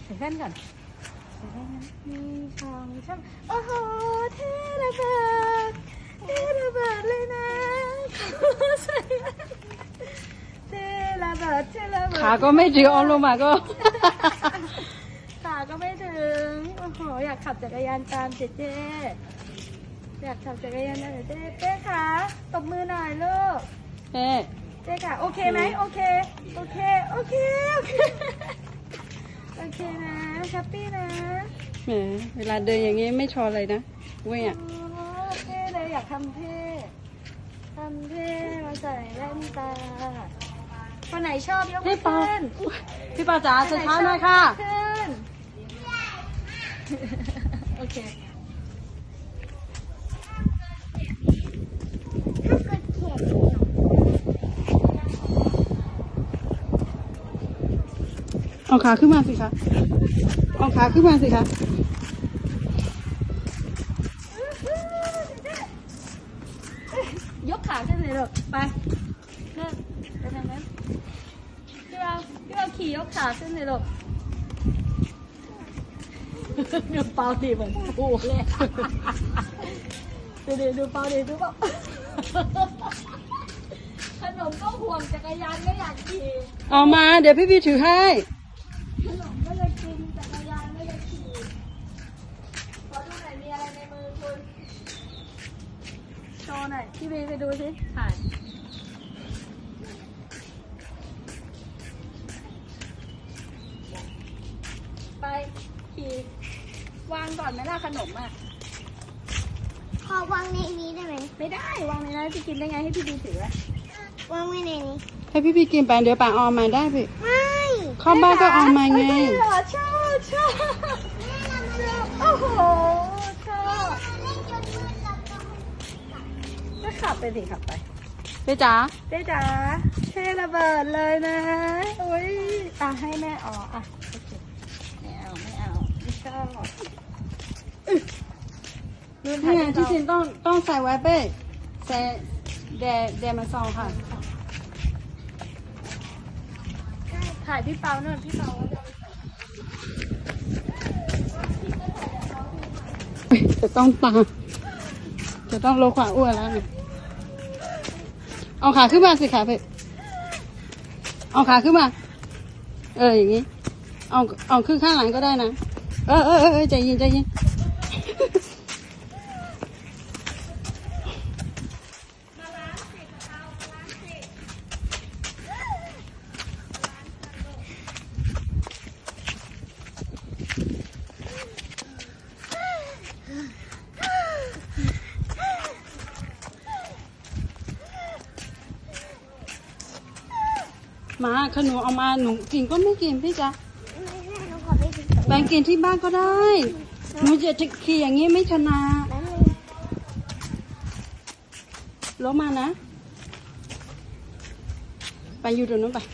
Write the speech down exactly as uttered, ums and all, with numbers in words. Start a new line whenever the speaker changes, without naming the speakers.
ใส่แว่นก่อนใส่แว่นนะมีช่องช่องโอ้โหเท่ระเบิดเท่ระเบิดเลยนะใส่แว่นเท่ระเบิดเท่ระเบิด
ขาก็ไม่ถึงออนลงมาก็
ขาก็ไม่ถึงโอ้โหอยากขับจักรยานตามเจ๊เจ๊อยากขับจักรยานตามเจ๊เจ๊เจ๊ขาตบมือหน่อยลูก
เอ๊ะ
เจ๊ค่ะโอเคไหมโอเคโอเคโอเคโอเคโอเคนะแฮปปี้นะ
แหมเวลาเดินอย่างงี้ไม่ชอเลยนะเว้ยอ่ะ
โอ้เท่เลยอยากทำเท่ทำเท่มาใส่แว่นตาคนไหนชอบยกมื
พี่
อ
ปา
ขึ้น
พี่ปาจ๋าสุดท้ายหน่อยค่ะ
ขึ้นโอเค
เอาขาขึ้นมาสิคะเอาขาขึ้นมาสิคะ
ยกขาขึ้นเลยลูกไปเลิกไปทางนั้นพี่เราพี่เราขี่ยกขาขึ้นเลยลูกดูเปาดีเหมือนปูเลยดูดิดูเปาดิดูเปาขนมก็ห่วงจักรยานก็อยากขี่
เอามาเดี๋ยวพี่พี่ถือให้
ขนมก็อยากกินจักรยานก็อยากขี่ขอดูหน่อยมีอะไรในมือคุณโชว์หน่อยพี่บีไปดูสิถ่ายไปขี่วางก่อนไหมล่ะขนมอ่ะ
ขอวางในนี้ได้ไหม
ไม่ได้วางในนั้นจะกินได้ไงให้พี่บีถืออะ
วางไว้ในนี้
ให้พี่พี่กินไปเดี๋ยวป่าเอามาได้พี่
ไม่
เข้าบ้านก็เอามาไง
เอ้ยเหรอชอบชอบชอบโอ้โหชอบ
เล่นจนมืดแล้วก็
ก็ขับไปสิขับไป
เจ๊จ๋า
เจ๊จ๋าเท่ระเบิดเลยนะอุ้ยอ่ะให้แม่อ๋ออ่ะโอเคไม่เอาไม่เอาไม่ชอบอื้อลืมถ่า
นี่
ย
ไง
ที่
ที่จริ
จริ
ง
ง
ต้องต้องใส่ไว้เป้ใส่แดดแดดมาซองค่ะ
ถ่ายพี่เปาเนอะพี่เปา
จะต้องตามจะต้องลดความอ้วนแล้วเนี่ยเอาขาขึ้นมาสิขาเพ่เอาขาขึ้นมา เอออย่างงี้ เอาเอาขึ้นข้างหลังก็ได้นะ เออเออเออเออใจเย็นใจเย็นมาขนมเอามาหนูกินก็ไม่กินพี่จ๊ะ
ไม่ใช่หนูขอไปกิน
แบ่งกินที่บ้านก็ได้หนูจะจะขี่อย่างนี้ไม่ชนะ
แป๊บนึง
ลงมานะ ไปอยู่ตรงนู้นไป